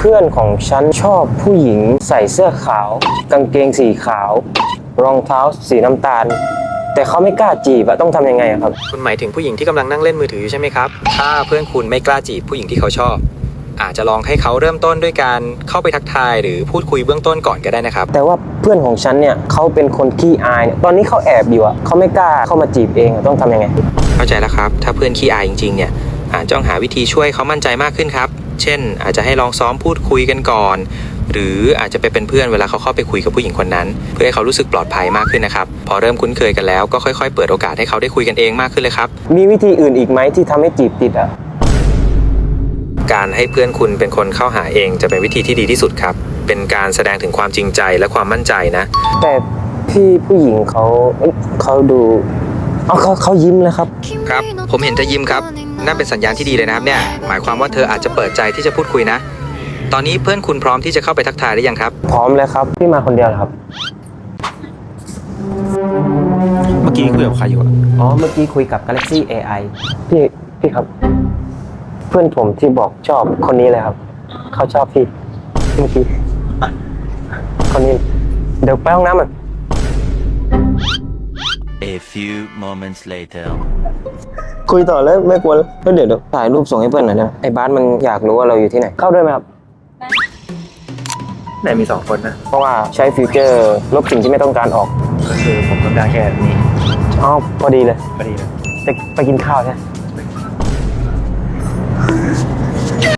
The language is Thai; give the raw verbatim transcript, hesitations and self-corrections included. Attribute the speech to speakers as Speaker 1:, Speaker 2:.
Speaker 1: เพื่อนของฉันชอบผู้หญิงใส่เสื้อขาวกางเกงสีขาวรองเท้าสีน้ำตาลแต่เขาไม่กล้าจีบอะต้องทำยังไงครับ
Speaker 2: คุณหมายถึงผู้หญิงที่กำลังนั่งเล่นมือถืออยู่ใช่ไหมครับถ้าเพื่อนคุณไม่กล้าจีบผู้หญิงที่เขาชอบอาจจะลองให้เขาเริ่มต้นด้วยการเข้าไปทักทายหรือพูดคุยเบื้องต้นก่อนก็ได้นะครับ
Speaker 1: แต่ว่าเพื่อนของฉันเนี่ยเขาเป็นคนขี้อายตอนนี้เขาแอบอยู่อะเขาไม่กล้าเข้ามาจีบเองต้องทำยังไง
Speaker 2: เข้าใจแล้วครับถ้าเพื่อนขี้อายจริงๆเนี่ยอาจจะต้องหาวิธีช่วยเขามั่นใจมากขึ้นครับเช่นอาจจะให้ลองซ้อมพูดคุยกันก่อนหรืออาจจะไปเป็นเพื่อนเวลาเขาเข้าไปคุยกับผู้หญิงคนนั้นเพื่อให้เขารู้สึกปลอดภัยมากขึ้นนะครับพอเริ่มคุ้นเคยกันแล้วก็ค่อยๆเปิดโอกาสให้เขาได้คุยกันเองมากขึ้นเลยครับ
Speaker 1: มีวิธีอื่นอีกไหมที่ทำให้จีบติดอ่ะ
Speaker 2: การให้เพื่อนคุณเป็นคนเข้าหาเองจะเป็นวิธีที่ดีที่สุดครับเป็นการแสดงถึงความจริงใจและความมั่นใจนะ
Speaker 1: แต่พี่ผู้หญิงเขาเขาดูอ๋อเขาเขายิ้มเลยครับ
Speaker 2: ครับผมเห็นเธอยิ้มครับนั่นเป็นสัญญาณที่ดีเลยนะครับเนี่ยหมายความว่าเธออาจจะเปิดใจที่จะพูดคุยนะตอนนี้เพื่อนคุณพร้อมที่จะเข้าไปทักทายหรือยังครับ
Speaker 1: พร้อมเลยครับพี่มาคนเดียวเหรอครับ
Speaker 2: เมื่อกี้คุยกับใครอยู่
Speaker 1: อ๋อเมื่อกี้คุยกับ Galaxy เอ ไอ พี่พี่ครับเพื่อนผมที่บอกชอบคนนี้เลยครับเขาชอบพี่เมื่อกี้คนนี้เดี๋ยวไปห้องน้ำมัน
Speaker 3: A few moments later
Speaker 1: คุยต่อแล้วไม่กลัวแล้วเดี๋ยวถ่ายรูปส่งให้เพื่อนหน่อยนะไอ้บาสมันอยากรู้ว่าเราอยู่ที่ไหนเข้าด้วยไหมครับ
Speaker 2: ไหนมีสองคนนะ
Speaker 1: เพราะว่าใช้ฟิวเจอร์ลบสิ่งที่ไม่ต้องการออก
Speaker 2: ก็คือผมต้องการแค่นี้
Speaker 1: อ๋อพอดีเลย
Speaker 2: พอดีเลย
Speaker 1: จะไปกินข้าวใช่ไหม